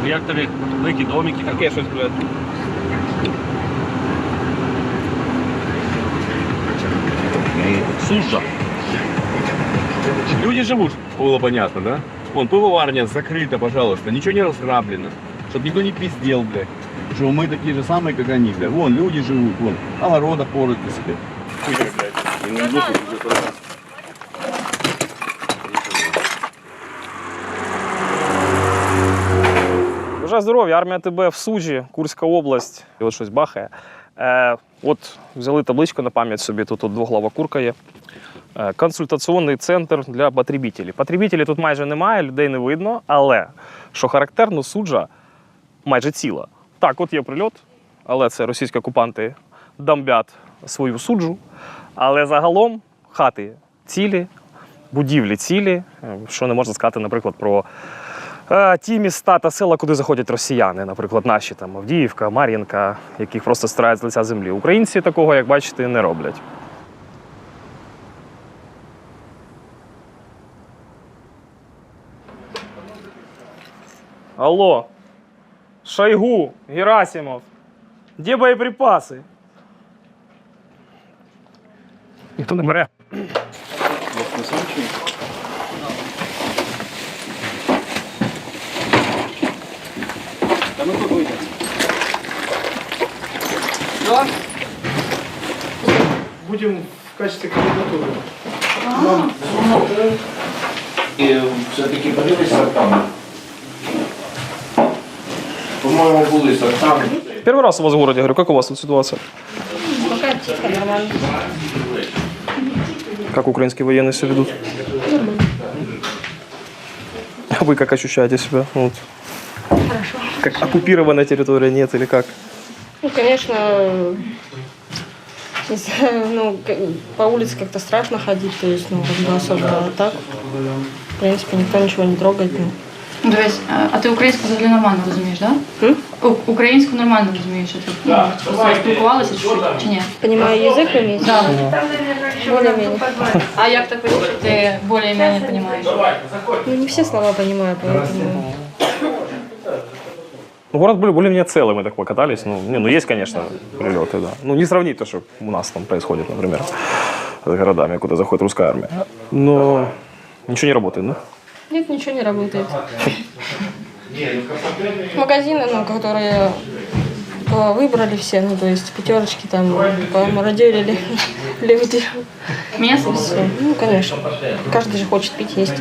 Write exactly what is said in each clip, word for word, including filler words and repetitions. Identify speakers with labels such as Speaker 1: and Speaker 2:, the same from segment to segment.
Speaker 1: Як тобі великі домики?
Speaker 2: Таке щось, блядь.
Speaker 1: Суша.
Speaker 2: Люди живут, было понятно, да? Вон, пивоварня закрыта, пожалуйста, ничего не разграблено. Чтобы никто не пиздел, блядь. Что мы такие же самые, как они, блядь. Вон, люди живут, вон, огорода порут на себе. Хуйня, блядь. И на воздухе уже туда.
Speaker 3: Бажаю здоров'я, армія ТБ в Суджі, Курська область. І от щось бахає. Е, от взяли табличку на пам'ять собі, тут от двоглава курка є. Е, консультаційний центр для потребителів. Потребителів тут майже немає, людей не видно, але, що характерно, Суджа майже ціла. Так, от є прильот, але це російські окупанти бомблять свою Суджу. Але загалом хати цілі, будівлі цілі, що не можна сказати, наприклад, про ті міста та села, куди заходять росіяни, наприклад, наші там Авдіївка, Мар'їнка, яких просто стирають з лиця землі. Українці такого, як бачите, не роблять. Алло, Шойгу, Герасимов, де боєприпаси? Ніхто не бере.
Speaker 2: Да ну какой-то.
Speaker 3: Да? Будем в качестве кандидатуры.
Speaker 4: И все-таки подивись сортами. По-моему, были сортами.
Speaker 3: Первый раз у вас в городе, говорю, как у вас тут ситуация?
Speaker 5: Пока тихо, нормально.
Speaker 3: Как украинские военные себя ведут? А вы как ощущаете себя? Вот.
Speaker 5: Хорошо.
Speaker 3: Как оккупированная территория, нет или как?
Speaker 5: Ну, конечно, не знаю, ну, к- по улице как-то страшно ходить, то есть, ну, как бы особо а так. В принципе, никто ничего не трогает. Ну.
Speaker 6: Ну, дивись, а- а ти українську взагалі нормально розумієш, так?
Speaker 5: М?
Speaker 6: Да? Українську нормально розумієш, а ти ну, просто спілкувалася чуть-чуть, чи ні?
Speaker 5: Понимаю язык, имеете?
Speaker 6: Да.
Speaker 5: Более-менее.
Speaker 6: А як так вийшло, що ти більш-менш розумієш?
Speaker 5: Ну, не все слова понимаю, поэтому...
Speaker 3: Ну, город более- более-менее целый, мы так покатались. Ну, не, ну, есть, конечно, прилеты, да. Ну, не сравнить то, что у нас там происходит, например, с городами, куда заходит русская армия. Но ничего не работает, да?
Speaker 5: Нет, ничего не работает. Магазины, ну, которые э, выбрали все, ну, то есть пятерочки там помародерили люди.
Speaker 6: М'ясо?
Speaker 5: Все. Ну, конечно. Каждый же хочет пить, есть.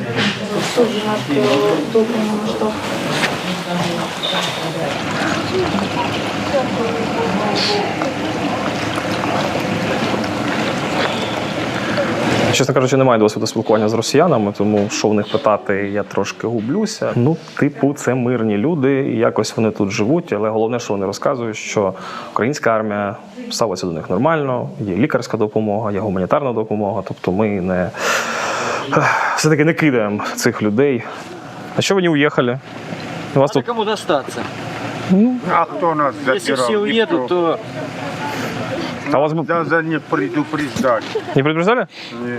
Speaker 3: Чесно кажучи, немає досвіду спілкування з росіянами, тому що в них питати, я трошки гублюся. Ну, типу, це мирні люди, і якось вони тут живуть, але головне, що вони розказують, що українська армія ставиться до них нормально, є лікарська допомога, є гуманітарна допомога, тобто ми не все-таки не кидаємо цих людей. А що ви не уїхали? У вас
Speaker 1: Надо
Speaker 3: тут
Speaker 1: кому достаться.
Speaker 7: А кто нас
Speaker 1: Если
Speaker 7: запирал?
Speaker 1: все уедут, то
Speaker 3: а вас б-
Speaker 7: Да, за не предупреждали.
Speaker 3: не предупреждали?
Speaker 7: Не,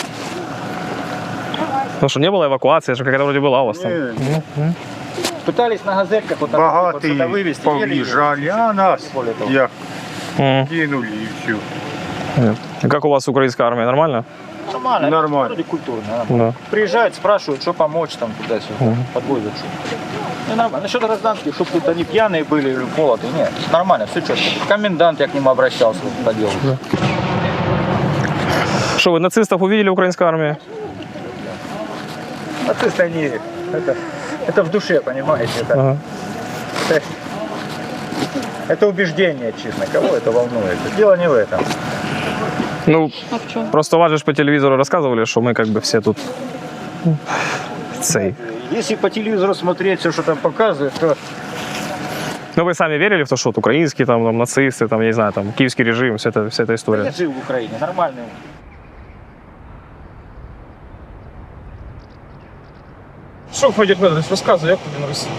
Speaker 3: Потому что не было эвакуации, что какая-то вроде была у вас там.
Speaker 7: не.
Speaker 1: пытались на газетках вот так вот сюда
Speaker 7: Богатые
Speaker 1: вывести. еле-еле.
Speaker 7: повъезжали, а нас
Speaker 1: Более того.
Speaker 7: я
Speaker 3: Мгм.
Speaker 7: кинули и все.
Speaker 3: И как у вас украинская армия, нормально?
Speaker 1: Нормально.
Speaker 7: Нормально.
Speaker 1: Вроде культурно.
Speaker 3: Да.
Speaker 1: Приезжают, спрашивают, что помочь там туда-сюда. Подвозят. Ну, нормально. Насчет гражданских, чтобы тут они пьяные были или молодые. Нет, нормально, все четко. Комендант, я к нему обращался по делу.
Speaker 3: Что, вы нацистов увидели в украинской армии?
Speaker 1: Нацисты они, это, это в душе, понимаете? Это,
Speaker 3: Ага.
Speaker 1: это, это убеждение, честно. Кого это волнует? Дело не в этом.
Speaker 3: Ну,
Speaker 6: А в чому?
Speaker 3: просто вас же ж по телевизору рассказывали, что мы как бы все тут цей.
Speaker 1: Если по телевизору смотреть все, что там показывают, то
Speaker 3: Ну, вы сами верили в то, что вот украинские там, там нацисты, там, я не знаю, там киевский режим, вся эта, вся эта
Speaker 1: я
Speaker 3: история?
Speaker 1: жил в Украине, нормальный.
Speaker 3: Что, Федір Федорович, розказуй, як тобі на Росії?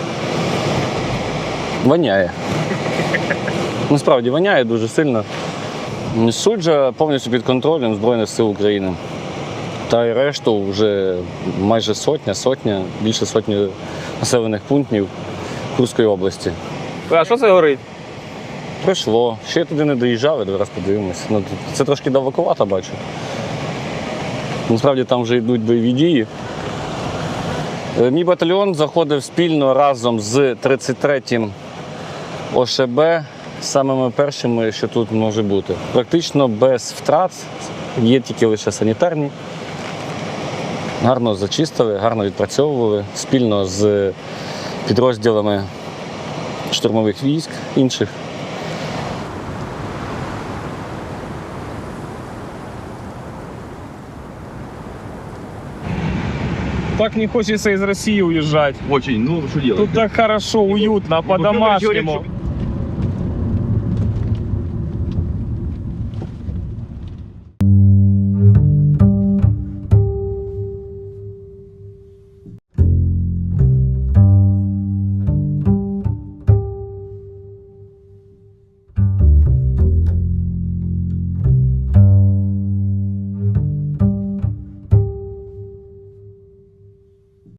Speaker 8: Воняє. Насправді воняє дуже сильно. Суджа повністю під контролем Збройних сил України. Та й решту вже майже сотня, сотня, більше сотні населених пунктів. Курської області.
Speaker 3: А що це горить?
Speaker 8: Прийшло. Ще я туди не доїжджав, я раз подивимось. Ну, тут- це трошки далековато, бачу. Насправді там вже йдуть бойові дії. Е, Мій батальйон заходив спільно разом з тридцять третім О Ш Б, самими першими, що тут може бути. Практично без втрат, є тільки лише санітарні. Гарно зачистили, гарно відпрацьовували спільно з підрозділами штурмових військ інших.
Speaker 3: Так не хочеться із Росії уїжджати.
Speaker 2: Очень, ну что делать?
Speaker 3: Тут так хорошо, уютно,
Speaker 2: Ну, короче, говорит,
Speaker 3: по-домашнему.
Speaker 2: что